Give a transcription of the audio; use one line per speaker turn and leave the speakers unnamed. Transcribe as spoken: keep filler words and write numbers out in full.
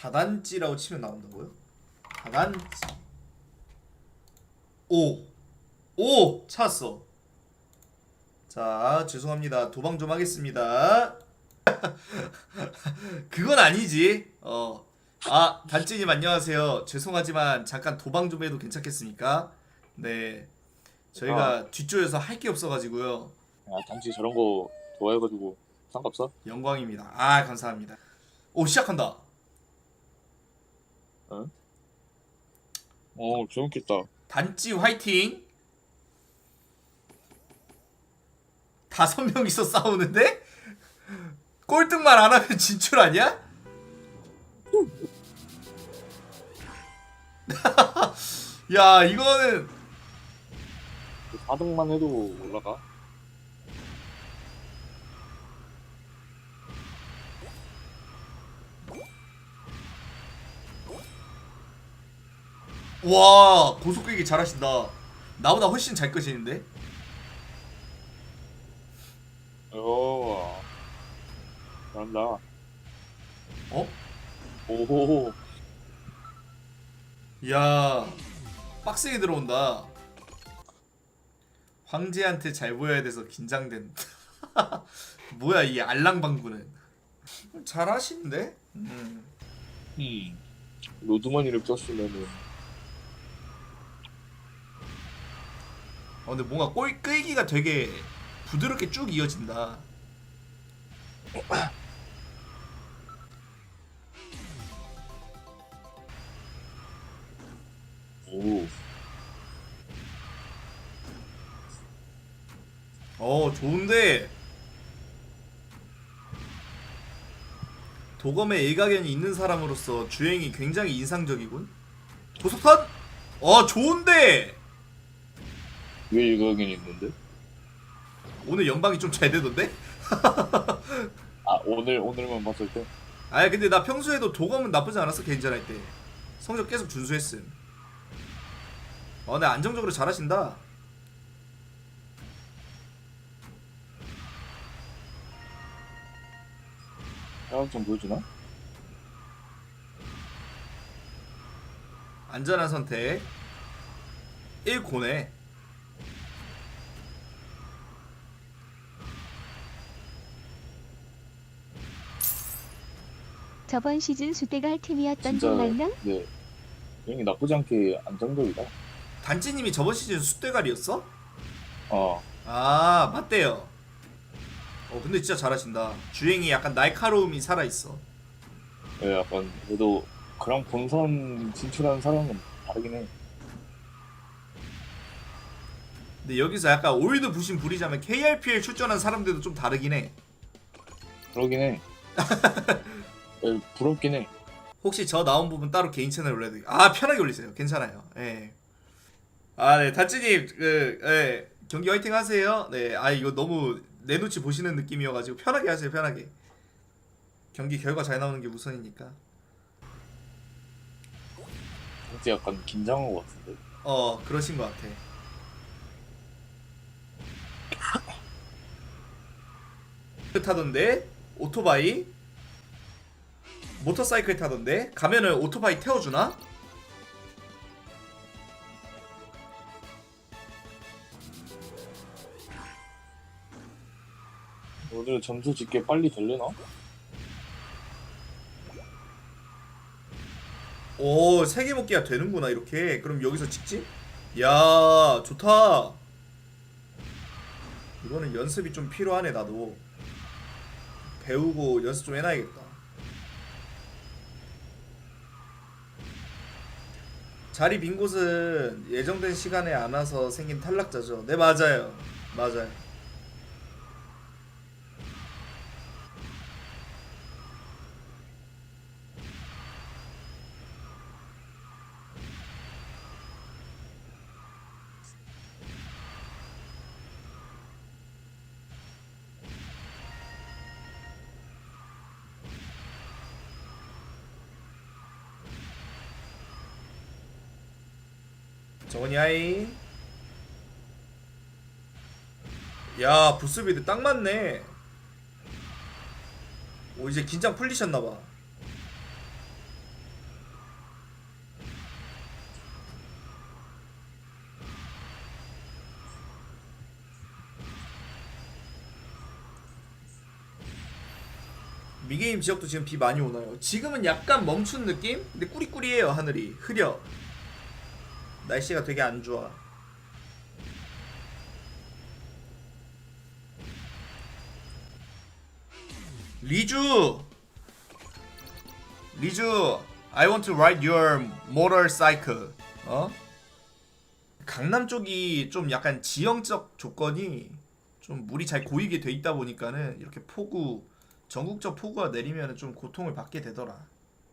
다단지라고 치면 나온다고요? 다단지. 오! 오! 찾았어. 자, 죄송합니다. 도방 좀 하겠습니다. 그건 아니지. 어. 아, 단지님 안녕하세요. 죄송하지만 잠깐 도방 좀 해도 괜찮겠습니까? 네. 저희가 뒷조여서 할 게 없어가지고요.
아, 당신 저런 거 좋아해가지고 상관없어?
영광입니다. 아, 감사합니다. 오, 시작한다.
응? 어, 재밌겠다.
단지 화이팅. 다섯 명이서 싸우는데? 꼴등만 안 하면 진출 아니야? 야, 이거는
사 등만 해도 올라가?
와, 고속되게 잘하신다. 나보다 훨씬 잘 끄시는데?
어, 잘한다.
어?
오호,
야, 빡세게 들어온다. 황제한테 잘 보여야 돼서 긴장된다. 뭐야 이 알랑방구는. 잘하시는데? 음.
음, 로드머니를 꼈으면은
어, 근데 뭔가 꼴 끌기가 되게 부드럽게 쭉 이어진다.
오,
어, 좋은데 도검에 일가견이 있는 사람으로서 주행이 굉장히 인상적이군. 고속탄? 어, 좋은데
왜 일각이 있는데?
오늘 연방이 좀 잘 되던데?
아, 오늘 오늘만 봤을 때?
아니 근데 나 평소에도 도검은 나쁘지 않았어. 개인전 할 때 성적 계속 준수했음. 어, 근데 안정적으로 잘하신다.
사각 좀 보여주나?
안전한 선택. 일 고네.
저번 시즌 수대가 할 팀이었던
진짜,
분 맞나?
네, 여행이 나쁘지 않게 안정적이다.
단지님이 저번 시즌 숫대가리였어?
어,
아, 맞대요. 어, 근데 진짜 잘하신다. 주행이 약간 날카로움이 살아있어.
네, 약간 그래도 그런 본선 진출한 사람은 다르긴 해.
근데 여기서 약간 올드 부심 부리자면 케이알피엘 출전한 사람들도 좀 다르긴 해.
그러긴 해. 에, 부럽긴 해.
혹시 저 나온 부분 따로 개인 채널에 올려도 아, 편하게 올리세요. 괜찮아요. 예. 아, 네, 다찌님, 그, 예, 경기 화이팅 하세요. 네, 아, 이거 너무 내 눈치 보시는 느낌이어가지고 편하게 하세요, 편하게. 경기 결과 잘 나오는 게 우선이니까.
진짜 약간 긴장한 것 같은데.
어, 그러신 것 같아. 타던데 오토바이, 모터사이클 타던데 가면은 오토바이 태워주나?
오늘 점수 짓게 빨리 되려나?
오, 세개 먹기가 되는구나 이렇게. 그럼 여기서 직진? 야, 좋다. 이거는 연습이 좀 필요하네. 나도 배우고 연습 좀 해놔야겠다. 자리 빈 곳은 예정된 시간에 안 와서 생긴 탈락자죠. 네, 맞아요. 맞아요. 정원이 하이. 야, 부스비드 딱 맞네. 오, 이제 긴장 풀리셨나봐. 미게임 지역도 지금 비 많이 오나요? 지금은 약간 멈춘 느낌? 근데 꾸리꾸리해요 하늘이. 흐려. 날씨가 되게 안 좋아. 리주! 리주, I want to ride your motorcycle. 어? 강남 쪽이 좀 약간 지형적 조건이 좀 물이 잘 고이게 돼 있다 보니까는 이렇게 폭우, 전국적 폭우가 내리면 좀 고통을 받게 되더라.